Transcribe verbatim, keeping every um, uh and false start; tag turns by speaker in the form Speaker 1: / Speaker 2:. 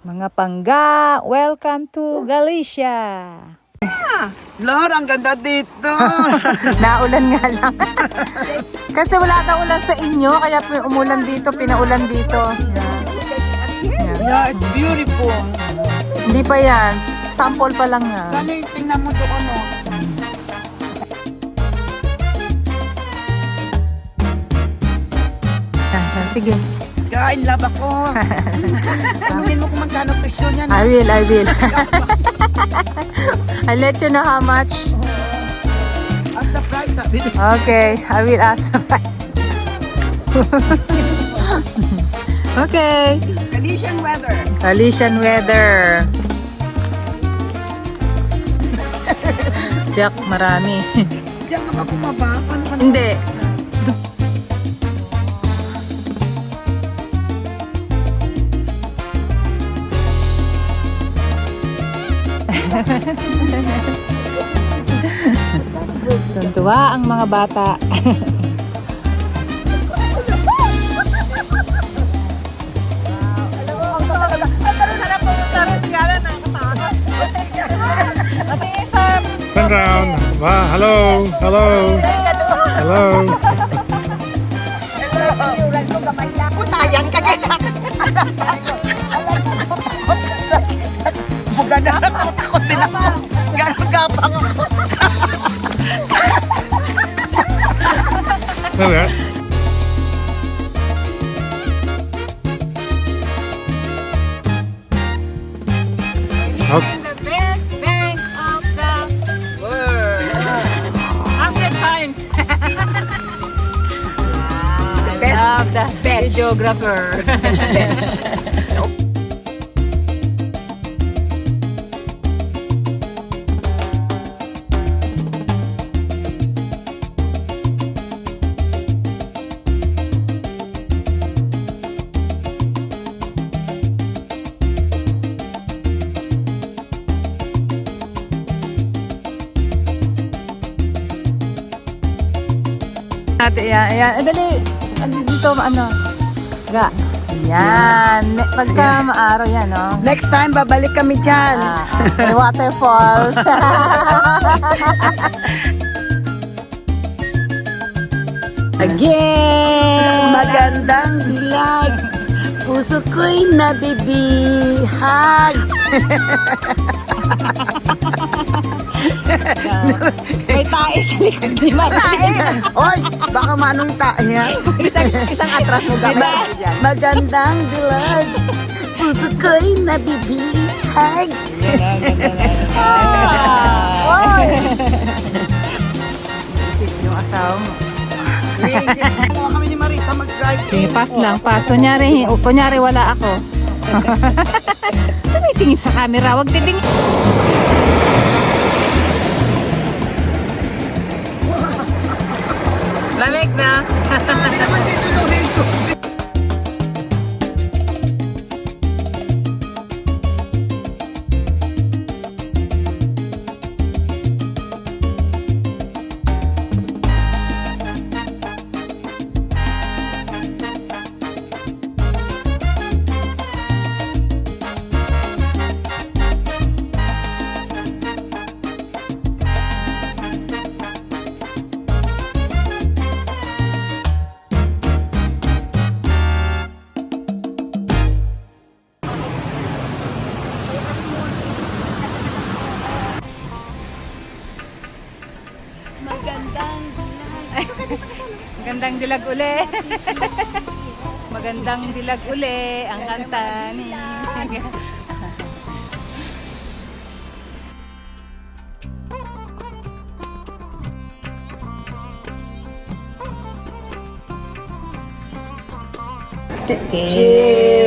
Speaker 1: Mga pangga, welcome to Galicia.
Speaker 2: Lord, ang ganda dito.
Speaker 1: Naulan nga lang. Kasi wala daw ulan sa inyo, kaya umulan dito, pinaulan dito. Yeah.
Speaker 2: Yeah, it's beautiful.
Speaker 1: Hindi pa yan, sample pa lang nga.
Speaker 2: Dali, tingnan mo doon, oh.
Speaker 1: Ah, sige.
Speaker 2: Kain love ako. Tanungin mo kung magkano presyo niyan.
Speaker 1: I will, I will. I'll let you know how much.
Speaker 2: At the price, sabi niya.
Speaker 1: Okay, I will ask the price. Okay.
Speaker 2: Galician weather.
Speaker 1: Galician weather. Jack, marami.
Speaker 2: Diyan ka ba bumaba? Paano ka
Speaker 1: Hindi. Tuntua ang mga bata.
Speaker 3: Turn around. Wow, hello, hello, hello.
Speaker 2: Putayan ka kaya. Buga na ako, takot din ako. Gano'ng gapang ako.
Speaker 3: Look at that. Okay.
Speaker 1: The best bank of the world. Hundred times. The
Speaker 2: best
Speaker 1: of the videographer. Ate, yan, yan. Eh, dali. Ano dito, ano? Ga. Yan. Ne- Pagka maaraw yan, no?
Speaker 2: Next time, babalik kami dyan.
Speaker 1: Ah, may waterfalls. Again!
Speaker 2: Magandang dilag. Puso ko'y nabibihag.
Speaker 1: May tae sa likod ni Marie.
Speaker 2: Oy, baka manong tayo.
Speaker 1: isang, isang atras mo gabay dyan.
Speaker 2: Magandang dilag. Puso ko'y nabibihag.
Speaker 1: Oy! Isip yung asawa mo.
Speaker 2: Dalawa kami ni Marisa mag-drive.
Speaker 1: Sige, pass lang, pass. Kunyari, o, kunyari wala ako. Tumitingin sa camera, wag titingin. Lamig na. Magandang dilag uli. Magandang dilag uli ang kanta ni.
Speaker 2: Cheers!